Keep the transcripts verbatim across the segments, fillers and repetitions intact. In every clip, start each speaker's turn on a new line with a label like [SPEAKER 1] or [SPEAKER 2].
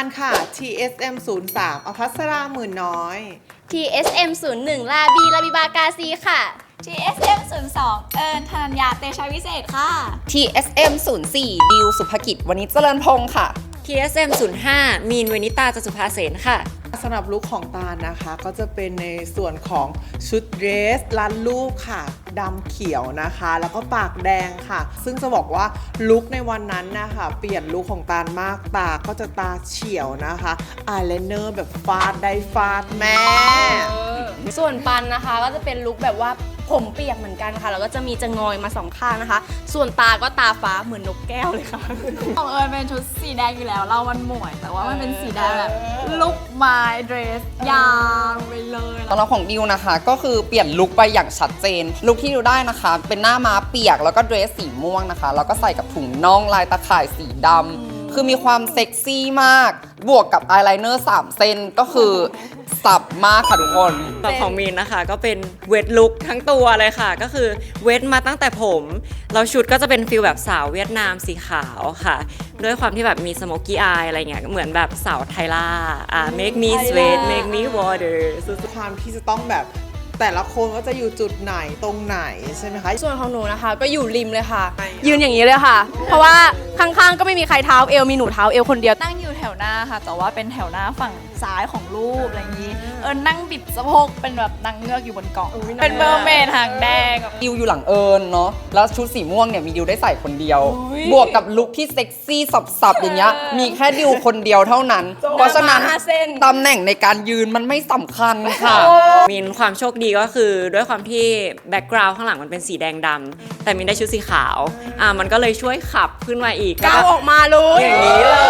[SPEAKER 1] ค่ะ ที เอส เอ็ม ศูนย์ สาม อภัสราหมื่นน้อย
[SPEAKER 2] ที เอส เอ็ม ศูนย์ หนึ่ง ลาบีลาบิบากาซีค่ะ
[SPEAKER 3] ที เอส เอ็ม ศูนย์ สอง เอิญธนัญญาเตชะวิเศษค่ะ
[SPEAKER 4] ที เอส เอ็ม ศูนย์ สี่ ดิวสุภกิจวณิชเจริญพงศ์ค่ะ
[SPEAKER 5] ที เอส เอ็ม ศูนย์ ห้า มีนเวนิตาจตุภาเสนค่ะ
[SPEAKER 1] สำหรับลุคของตาลนะคะก็จะเป็นในส่วนของชุดเดรสรัดรูปค่ะดำเขียวนะคะ แล้วก็ปากแดงค่ะ ซึ่งจะบอกว่าลุคในวันนั้นนะคะเปลี่ยนลุคของตาลมากตาก็จะตาเฉียวนะคะอายไลเนอร์แบบฟาดได้ฟาดแม่
[SPEAKER 2] ส่วนปันนะคะก็จะเป็นลุคแบบว่าผมเปียกเหมือนกันค่ะแล้วก็จะมีจะงอยมาสองข้างนะคะ ส่วนตาก็ตาฟ้าเหมือนนกแก้วเลยค่ะ
[SPEAKER 3] ของเอิญเป็นชุดสีแดงอยู่แล้วเรามันหมวย แต่ว่ามันเป็นสีแดงแบบลุคไม้เดรสยาวไปเลย
[SPEAKER 4] ตอนเราของดิวนะคะก็คือเปลี่ยนลุคไปอย่างชัดเจนลุคที่ดิวได้นะคะ เป็นหน้าม้าเปียกแล้วก็เดรสสีม่วงนะคะแล้วก็ใส่กับถุงน่องลายตะข่ายสีดำคือมีความเซ็กซี่มากบวกกับอายไลเนอร์สามเส้นก็คือสับมากค่ะทุกคน
[SPEAKER 5] แบบของมีนนะคะก็เป็นเวทลุคทั้งตัวเลยค่ะ ก็คือเวทมาตั้งแต่ผมแล้วชุดก็จะเป็นฟิลแบบสาวเวียดนามสีขาวค่ะ ด้วยความที่แบบมีสโมกี้อายอะไรเงี้ยเหมือนแบบสาวไทล่าอ่า make me sweat make me water
[SPEAKER 1] ความที่จะต้องแบบแต่ละคนก็จะอยู่จุดไหนตรงไหนใช่ไหมคะ
[SPEAKER 2] ส่วนของหนูนะคะก็อยู่ริมเลยค่ะ ยืนอย่างนี้เลยค่ะ เพราะว่าข้างๆก็ไม่มีใครเท้าเอวมีหนูเท้าเอวคนเดียว
[SPEAKER 3] นั่งอยู่แถวหน้าค่ะ แต่ว่าเป็นแถวหน้าฝั่งซ้ายของรูปอะไรอย่างนี้ เอิญนั่งบิดสะโพกเป็นแบบนางเงือกอยู่บนเกาะเป็นเมอร์เมดหางแดงแบบ
[SPEAKER 4] ดิวอยู่หลังเอิญเนาะแล้วชุดสีม่วงเนี่ยมีดิวได้ใส่คนเดียว
[SPEAKER 3] อุ๊ย
[SPEAKER 4] บวกกับลุคที่เซ็กซี่สับๆอย่างเงี้ยมีแค่ดิวคนเดียวเท่านั้น เพราะฉะนั้น
[SPEAKER 2] ห้าเส้น
[SPEAKER 4] ตำแหน่งในการยืนมันไม่สำคัญค่ะ
[SPEAKER 5] มีนความโชคดีก็คือด้วยความที่แบ็กกราวด์ข้างหลังมันเป็นสีแดงดำแต่มีนได้ชุดสีขาวอ่ามันก็เลยช่วยขับขึ้นมาอีก
[SPEAKER 2] ก้าวออกมาเลย
[SPEAKER 5] อย่างนี้เลย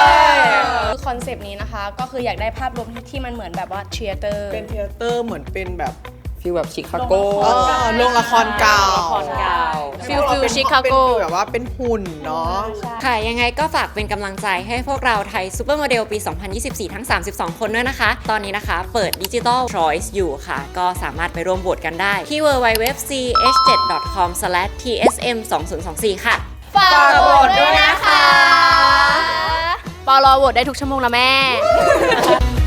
[SPEAKER 2] คือคอนเซปต์นี้นะคะก็คืออยากได้ภาพรวมที่มันเหมือนแบบว่าเชียร์เตอร์
[SPEAKER 1] เป็นเทยเตอร์เหมือนเป็นแบบ
[SPEAKER 4] ฟีลแบบชิคาโก
[SPEAKER 1] เออโรงละครเก่า
[SPEAKER 5] ละครเก่า
[SPEAKER 2] ฟิลฟิลชิคาโก
[SPEAKER 1] เป็นฟิลแบบว่าเป็นหุ่นเนาะ
[SPEAKER 5] ค่ะยังไงก็ฝากเป็นกำลังใจให้พวกเราไทยซูเปอร์โมเดลปี สองพันยี่สิบสี่ ทั้ง สามสิบสอง คนด้วยนะคะ ตอนนี้นะคะเปิด Digital Choice อยู่ค่ะ ก็สามารถไปร่วมโหวตกันได้ที่ ดับเบิลยู ดับเบิลยู ดับเบิลยู ดอท ซี เอช เจ็ด ดอท คอม สแลช ที เอส เอ็ม สองพันยี่สิบสี่ ค่ะ
[SPEAKER 2] ฝากโหวตด้วยนะคะปอรอโหวตได้ทุกชั่วโมงนะแม่